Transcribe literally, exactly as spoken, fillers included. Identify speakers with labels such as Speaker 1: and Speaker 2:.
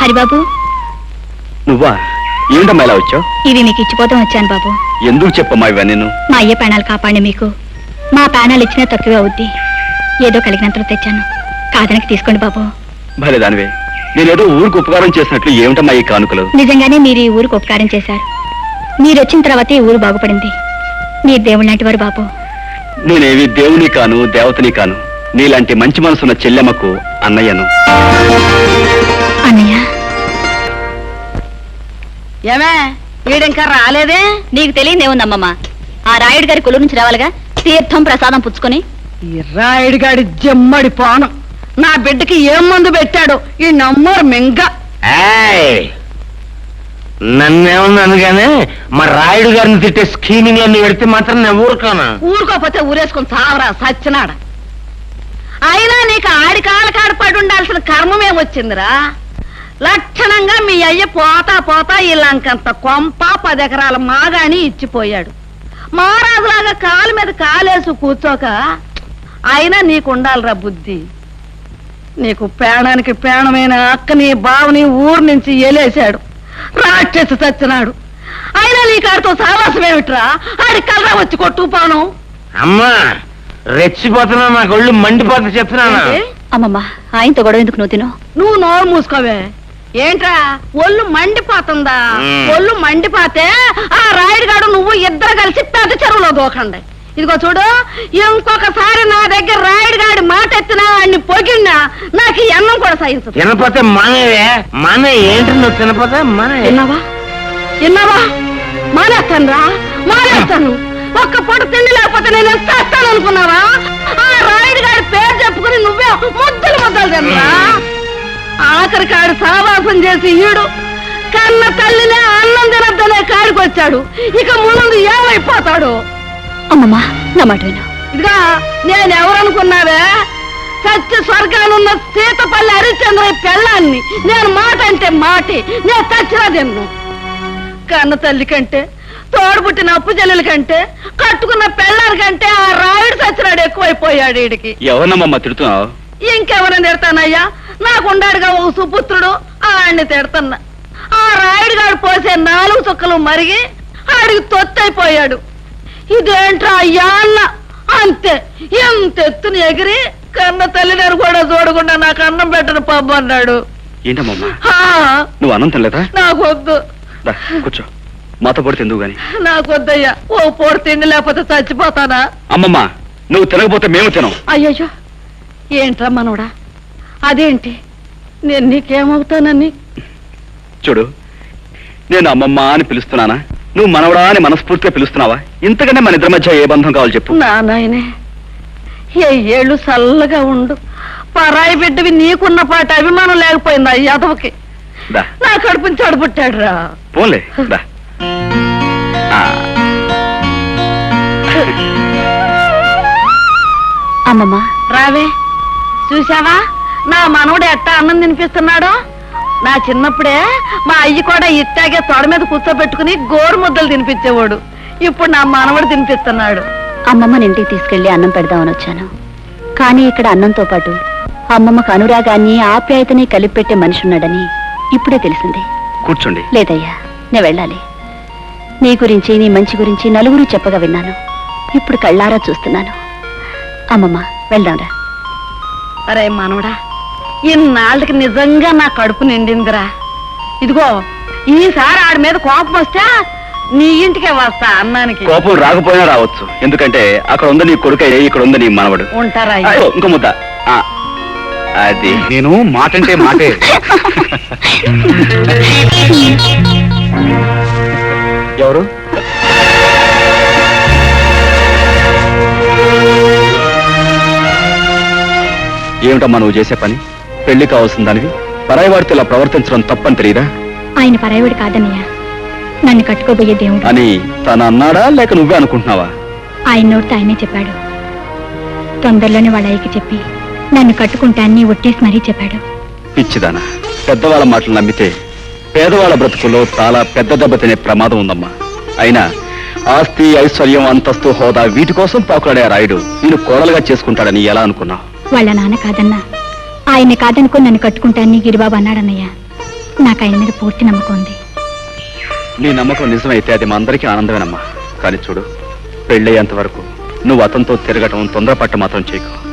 Speaker 1: హరిబాబు
Speaker 2: నువ్వా? ఏంటమ్మా ఇలా వచ్చావు?
Speaker 1: ఇవి మీకు ఇచ్చిపోతాం వచ్చాను బాబు.
Speaker 2: ఎందుకు చెప్పమ్మా ఇవన్నీ? నేను
Speaker 1: మా అయ్య ప్రాణాలు కాపాడి మీకు మా ప్రాణాలు ఇచ్చినా తక్కువే అవుద్ది. ఏదో కలిగినంతలో తెచ్చాను, కాదనకి తీసుకోండి బాబు.
Speaker 2: భలే దానివే, నేనేదో ఊరికి ఉపకారం చేసినట్లు ఏమిటమ్మా ఈ కానుకలు?
Speaker 1: నిజంగానే మీరు ఈ ఊరికి ఉపకారం చేశారు. మీరు వచ్చిన తర్వాత ఈ ఊరు బాగుపడింది. మీరు దేవుడు లాంటి వారు బాబు.
Speaker 2: నేనేవి దేవుని కాను, దేవతని కాను. నీలాంటి మంచి మనసున్న చెల్లెమ్మకు అన్నయ్యను.
Speaker 1: అన్నయ్య
Speaker 3: ఏమే వీడింకా రాలేదే?
Speaker 1: నీకు తెలియదేముందమ్మమ్మ, ఆ రాయుడు గారి కొలు నుంచి రావాలిగా, తీర్థం ప్రసాదం పుచ్చుకొని.
Speaker 3: ఈ రాయుడు గాడి జమ్మడి పానం నా బిడ్డకి ఏం మందు పెట్టాడు ఈ నమ్మరు మింగ.
Speaker 4: నన్నేమన్నాను గానీ మా రాయుడు గారిని తిట్టే స్కీమింగ్ అన్ని పెడితే మాత్రం నేను ఊరుకోనా?
Speaker 3: ఊరుకోపోతే ఊరేసుకుని చావరా సచ్చినాడ. అయినా నీకు ఆడి కాళ్ళ కాడ పడి ఉండాల్సిన కర్మమేమొచ్చిందిరా? లక్షణంగా మీ అయ్య పోతా పోతా ఇలాంకంత కొంప పది ఎకరాల మాగాని ఇచ్చిపోయాడు. మహారాజులాగా కాలు మీద కాలేసు కూర్చోక అయినా నీకుండాలిరా బుద్ధి. నీకు ప్రాణానికి ప్రాణమైన అక్కని బావని ఊరు నుంచి ఎలేశాడు, రాక్షసి చచ్చినాడు. అయినా నీ కాడితో సావాసమేమిట్రా? ఆడి కలరా వచ్చి కొట్టుకుపోను.
Speaker 4: అమ్మా రెచ్చిపోతున్నా, నాకు ఒళ్ళు మండిపోతా చెప్తున్నాను.
Speaker 1: అమ్మమ్మ, ఆయనతో గొడవ ఎందుకు నువ్వు తిను?
Speaker 3: నువ్వు నోరు మూసుకోవే. ఏంట్రా ఒళ్ళు మండిపోతుందా? ఒళ్ళు మండిపోతే ఆ రాయుడు గాడు నువ్వు ఇద్దరు కలిసి పెద్ద చెరువులో దూకండి. ఇదిగో చూడు, ఇంకొకసారి నా దగ్గర రాయుడు గాడి మాట ఎత్తినా అన్ని పొగిడినా నాకు ఈ అన్నం కూడా సహించదు.
Speaker 4: తినపోతే మానేవే మానే. ఏంటి నువ్వు తినపోతే మానే?
Speaker 3: విన్నావా విన్నావా? మానేస్తాను రా, మానేస్తాను. ఒక్క పూట తిండి లేకపోతే నేను ఎంత చేస్తాను అనుకున్నావా? ఆ రాయుడు గారి పేరు చెప్పుకుని నువ్వే ముద్దలు ముద్దలు తినరా? ఆఖరి కాడు సావాసం చేసి ఈడు కన్న తల్లినే అన్నం తినద్దనే కాడికి వచ్చాడు. ఇక ముందు ఏమైపోతాడు?
Speaker 1: అమ్మమ్మ, నా మాట విను.
Speaker 3: ఇదిగా నేనెవరనుకున్నావే? సత్య స్వర్గానున్న సీతపల్లి హరిశ్చంద్ర పెళ్ళాన్ని. నేను మాట అంటే మాటి, నేను చచ్చినా తిన్ను. కన్న తల్లి కంటే, తోడుబుట్టిన అప్పు చెల్లెల కంటే, కట్టుకున్న పెళ్ళారి కంటే ఆ రాయుడు చచ్చినాడు ఎక్కువైపోయాడు వీడికి.
Speaker 2: ఎవరినమ్మా తిడుతున్నావు?
Speaker 3: ఇంకెవరని తిడతానయ్యా? నాకుండాడుగా ఓ సుపుత్రుడు, ఆడిని తిడతన్నా. ఆ రాయుడు గారు పోసే నాలుగు చుక్కలు మరిగి ఆడికి తొత్తైపోయాడు. ఇదేంట్రా అయ్యా అన్న అంతే. ఎంత ఎత్తుని ఎగిరి కన్న తల్లిదారు కూడా చూడకుండా నాకు అన్నం పెట్టను పబ్బు అన్నాడు.
Speaker 2: ఏంటమ్మా నువ్వు అన్నం తినలేదా?
Speaker 3: నాకొద్దు.
Speaker 2: కూర్చో, మాతో పొడి తిందువు గాని.
Speaker 3: నాకొద్దయ్యా, ఓ పూట తిండి లేకపోతే చచ్చిపోతానా?
Speaker 2: అమ్మమ్మ, నువ్వు తినకపోతే మేము తినం.
Speaker 3: అయ్యయ్యో, ఏంట్రా మనోడా? అదేంటి నేను నీకేమవుతానని?
Speaker 2: చూడు, నేను అమ్మమ్మ అని పిలుస్తున్నానా, నువ్వు మనవడా అని మనస్ఫూర్తిగా పిలుస్తున్నావా? ఇంతకంటే మన ఇద్దరి మధ్య ఏ బంధం కావాలి చెప్పు.
Speaker 3: నా నాయనే, ఏ ఏళ్ళు చల్లగా ఉండు. పరాయి బిడ్డవి నీకున్న పాట అభిమానం లేకపోయిందా యాదవకి? నా కడుపుని చెడబుట్టాడు రా.
Speaker 2: పోలే దా.
Speaker 1: అమ్మమ్మ
Speaker 3: రావే, చూసావా నా మనవడు ఎట్టా అన్నం తినిపిస్తున్నాడు? నా చిన్నప్పుడే మా అయ్యి కూడా ఇట్టాగే తొడ మీద కూర్చోబెట్టుకుని గోరు ముద్దలు తినిపించేవాడు. ఇప్పుడు నా మనవడు తినిపిస్తున్నాడు.
Speaker 1: అమ్మమ్మని ఇంటికి తీసుకెళ్లి అన్నం పెడదామని వచ్చాను. కానీ ఇక్కడ అన్నంతో పాటు అమ్మమ్మకు అనురాగాన్ని ఆప్యాయతని కలిపి పెట్టే మనిషి ఉన్నాడని ఇప్పుడే తెలిసింది.
Speaker 2: కూర్చోండి.
Speaker 1: లేదయ్యా, నే వెళ్ళాలి. నీ గురించి, నీ మంచి గురించి నలుగురు చెప్పగా విన్నాను. ఇప్పుడు కళ్ళారా చూస్తున్నాను. అమ్మమ్మ, వెళ్దాంరా.
Speaker 3: అరే మనవడా, ఇన్నాళ్ళకి నిజంగా నా కడుపు నిండిందిరా. ఇదిగో ఈసారి ఆడి మీద కోపం వస్తే నీ ఇంటికే వస్తా అన్నానికి.
Speaker 2: కోపం రాకపోయినా రావచ్చు, ఎందుకంటే అక్కడ ఉంది నీ కొడుకు, ఇక్కడ ఉంది నీ మనవడు.
Speaker 3: ఉంటారా?
Speaker 2: ఇంకో ముద్ద. అది నేను మాటంటే మాటే. ఎవరు? ఏమిటమ్మా నువ్వు చేసే పని? పెళ్లి కావాల్సిన దానివి పరాయివాడితో ఇలా ప్రవర్తించడం తప్పని తెలియదా?
Speaker 1: ఆయన పరాయివాడు కాదన్నయ్య, నన్ను కట్టుకోబోయే దేవుడు
Speaker 2: అని తను అన్నాడా, లేక నువ్వే అనుకుంటున్నావా?
Speaker 1: ఆయన నోటితో ఆయనే చెప్పాడు. తొందరలోనే వాళ్ళ అయ్యకి చెప్పి నన్ను కట్టుకుంటాన్ని ఒట్టేసి మరీ చెప్పాడు.
Speaker 2: పిచ్చిదానా, పెద్దవాళ్ళ మాటలు నమ్మితే పేదవాళ్ళ బ్రతుకుల్లో చాలా పెద్ద దెబ్బ తినే ప్రమాదం ఉందమ్మా. అయినా ఆస్తి, ఐశ్వర్యం, అంతస్తు, హోదా వీటి కోసం పాకులాడే రాయుడు నేను కోడలుగా చేసుకుంటాడని ఎలా అనుకున్నావు?
Speaker 1: వాళ్ళ నాన్న కాదన్నా, ఆయన్ని కాదనుకుని నన్ను కట్టుకుంటాన్ని గిరిబాబు అన్నాడన్నయ్య. నాకు ఆయన మీద పూర్తి నమ్మకం ఉంది.
Speaker 2: నీ నమ్మకం నిజమైతే అది మా అందరికీ ఆనందమేనమ్మా. కానీ చూడు, పెళ్ళయ్యేంత వరకు నువ్వు అతనితో తిరగటం తొందరపట్ట మాత్రం చేయకు.